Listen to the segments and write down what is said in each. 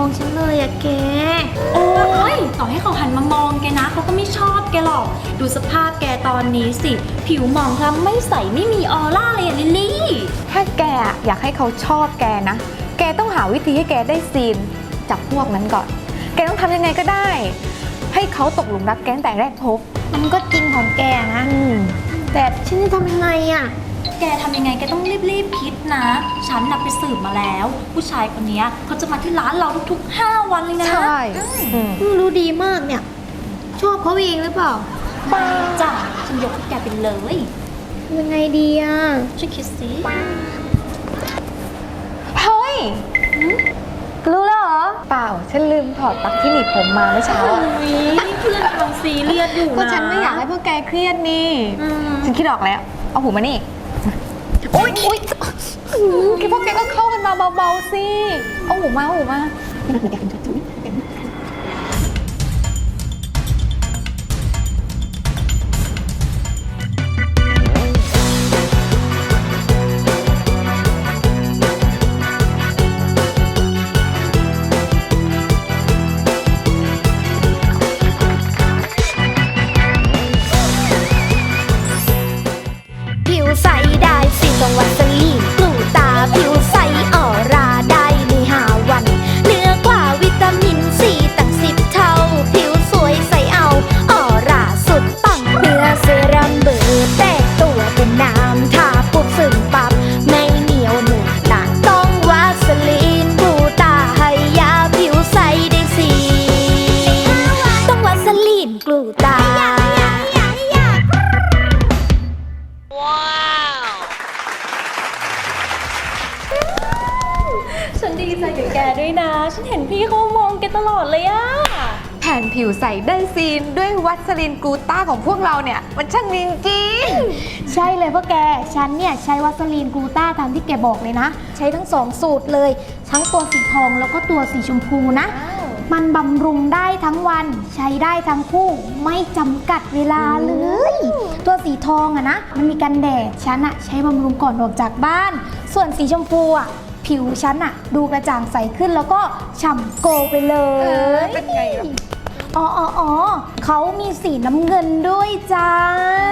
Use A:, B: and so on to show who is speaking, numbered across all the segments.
A: ฉันเลยอะแก
B: โอ้ยต่อให้เขาหันมามองแกนะเขาก็ไม่ชอบแกหรอกดูสภาพแกตอนนี้สิผิวหมองคล้ำไม่ใสไม่มีออร่าเลยอะลิลลี่
C: ถ้าแกอยากให้เขาชอบแกนะแกต้องหาวิธีให้แกได้ซีนจากพวกนั้นก่อนแกต้องทำยังไงก็ได้ให้เขาตกหลุมรักแกตั้งแต่แรกพบ
A: มันก็จริงของแกนะแต่ฉันจะทำยังไงอะ
B: แกทำยังไงแกต้องรีบคิดนะฉันน่ะไปสืบมาแล้วผู้ชายคนนี้เขาจะมาที่ร้านเราทุกๆ5 วันเลยนะ
C: ใช่
A: รู้ดีมากเนี่ยชอบเขาเองหรือเปล่า
B: จ้ะฉันยกให้แกไปเลย
A: ยังไงดีอะ
B: ช่วยคิดสิ
C: เฮ้ยรู้แล้วเหรอเปล่าฉันลืมถอดปลั๊กที่หนีบผมมาเมื่อเช้า
B: นี่เพื่อนกำลังซีเรียสอยู่นะ
C: ก็ฉันไม่อยากให้พวกแกเครียดนี่ฉันคิดออกแล้วเอาหูมานี่โอ๊ยพวกแกก็เข้ากันมาเบาๆสิเอาหูมา
A: ผิวใสได้สิต้องวัสลีนกลูตาผิวใสออร่าได้ใน5 วันเหนือกว่าวิตามินซีตั้ง10 เท่าผิวสวยใสเอาออร่าสุดปังเนื้อเซรั่มเบอร์แตกตัวเป็นน้ำทาปุ๊บซึมปั๊บไม่เหนียวเหนอะหนะต้องวัสลีนกลูตาให้ยาผิวใสได้สิต้องวัสลีนกลูตา
B: ฉันดีใจกับแกด้วยนะฉันเห็นพี่เขามองแกตลอดเลยอะ
C: แผ่นผิวใสได้ซีนด้วยวัสลินกลูต้าของพวกเราเนี่ยมันช่างจริง
A: ใช่เลยพวกแกฉันเนี่ยใช้วัสลีนกลูต้าตามที่แกบอกเลยนะใช้ทั้ง2 สูตรเลยทั้งตัวสีทองแล้วก็ตัวสีชมพูนะมันบำรุงได้ทั้งวันใช้ได้ทั้งคู่ไม่จำกัดเวลาเลยตัวสีทองอะนะมันมีกันแดดฉันอะใช้บำรุงก่อนออกจากบ้านส่วนสีชมพูอะผิวฉันอะดูกระจ่างใสขึ้นแล้วก็ฉ่ำโกลไปเลย
C: เป็นไงล่ะ
A: อ๋อเขามีสีน้ำเงินด้วยจ้า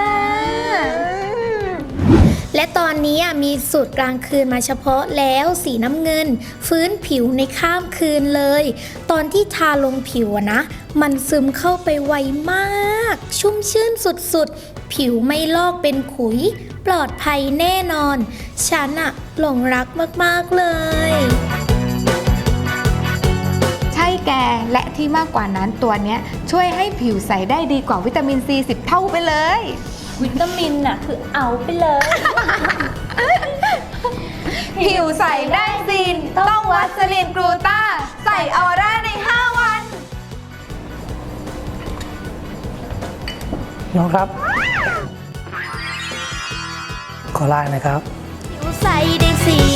A: และตอนนี้มีสูตรกลางคืนมาเฉพาะแล้วสีน้ำเงินฟื้นผิวในข้ามคืนเลยตอนที่ทาลงผิวนะมันซึมเข้าไปไวมากชุ่มชื่นสุดๆผิวไม่ลอกเป็นขุยปลอดภัยแน่นอนฉันหลงรักมากๆเลย
C: ใช่แกและที่มากกว่านั้นตัวเนี้ยช่วยให้ผิวใสได้ดีกว่าวิตามินซี10 เท่าไปเลย
B: วิตามินน่ะคือเอาไปเลย
C: ผิวใสได้ซีนต้องวัสลินกลูต้าใส่ออร่าใน5 วัน
D: น้องครับขอไลน์นะครับ
A: ผิวใสได้ซี